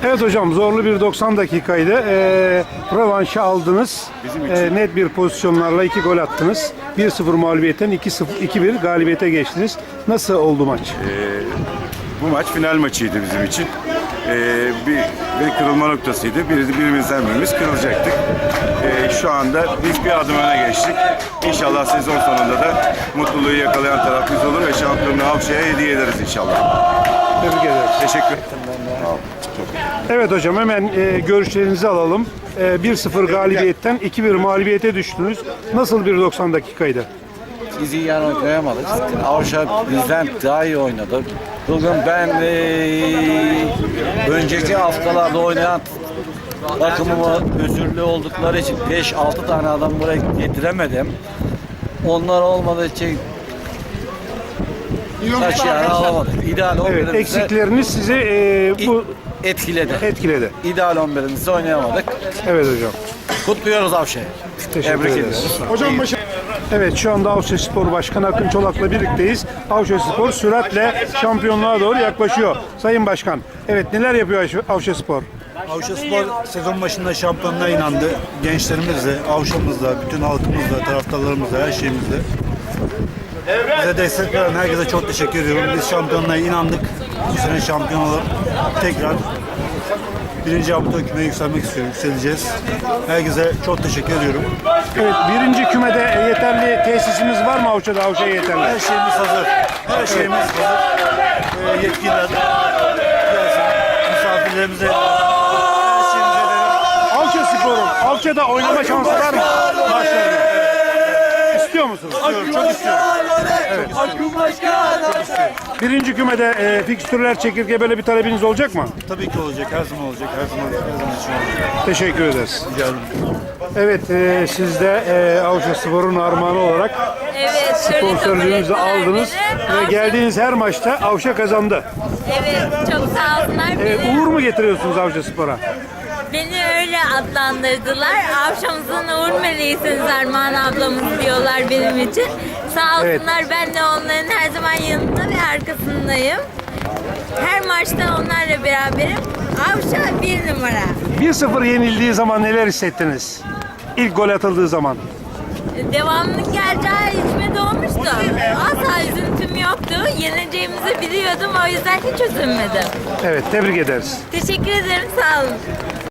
Evet hocam, zorlu bir 90 dakikaydı. Rövanşı aldınız. Net bir pozisyonlarla 2 gol attınız. 1-0 mağlubiyetten 2-1 galibiyete geçtiniz. Nasıl oldu maç? Bu maç final maçıydı bizim için. Bir kırılma noktasıydı. Birimizden birimiz kırılacaktık. Şu anda biz bir adım öne geçtik. İnşallah sezon sonunda da mutluluğu yakalayan taraf biz olur ve şampiyonluğu Avşa'ya hediye ederiz inşallah. Tebrik ederiz. Teşekkür ederim. Evet hocam, hemen görüşlerinizi alalım. 1-0 galibiyetten 2-1 mağlubiyete düştünüz. Nasıl bir 90 dakikaydı? Biz iyi yan oynayamadık. Avşa bizden daha iyi oynadı. Bugün ben önceki haftalarda oynayan takımımı özürlü oldukları için 5-6 tane adam buraya getiremedim. Onlar olmadığı için taşıyanı alamadık. İdeal 11'imizde Evet, eksikleriniz sizi bu etkiledi. İdeal 11'imizde oynayamadık. Evet hocam. Kutluyoruz Avşa'yı. Teşekkür Tebrik ederiz. ediyoruz. Hocam Evet, şu anda Avşa Spor Başkanı Akın Çolak'la birlikteyiz. Avşa Spor süratle şampiyonluğa doğru yaklaşıyor. Sayın Başkan, evet, neler yapıyor Avşa Spor? Avşa Spor sezon başında şampiyonluğa inandı. Gençlerimizle, Avşa'mızla, bütün halkımızla, taraftarlarımızla, her şeyimizle. Bize destek veren herkese çok teşekkür ediyorum. Biz şampiyonluğa inandık. Bu sene şampiyon olup tekrar birinci hafta kümeye yükselmek istiyorum. Yükseleceğiz. Herkese çok teşekkür ediyorum. Evet, birinci kümede yeterli tesisimiz var mı Avşa'da? Avşa'ya yeterli. Her şeyimiz hazır. Her şeyimiz hazır. Yetkililer gelsin. Misafirlerimize her şeyimize verin. Avşa Spor'un Avşa'da oynama şansı var mı? Maçlarda. İstiyor musunuz? Çok istiyorum. Birinci kümede fikstürler çekirge, böyle bir talebiniz olacak mı? Tabii ki olacak. Her zaman olacak. Her zaman için olacak. Teşekkür ederiz. Rica ederim. Evet, siz de Avşa Spor'un armağanı olarak Evet, sponsorluğunuzu aldınız ve geldiğiniz her maçta Avşa kazandı. Evet, çok sağ olsunlar. Uğur mu getiriyorsunuz Avşa Spor'a? Beni öyle adlandırdılar. Avşamızın uğur meleğisiniz Armağan ablamız diyorlar benim için. Sağ olsunlar, ben de onların her zaman yanında ve arkasındayım. Her maçta onlarla beraberim. Avşa bir numara. 1-0 yenildiği zaman neler hissettiniz? İlk gol atıldığı zaman. Devamının geleceği içime doğmuştu. Asla üzüntüm yoktu. Yeneceğimizi biliyordum, o yüzden hiç üzülmedim. Evet, tebrik ederiz. Teşekkür ederim, sağ olun.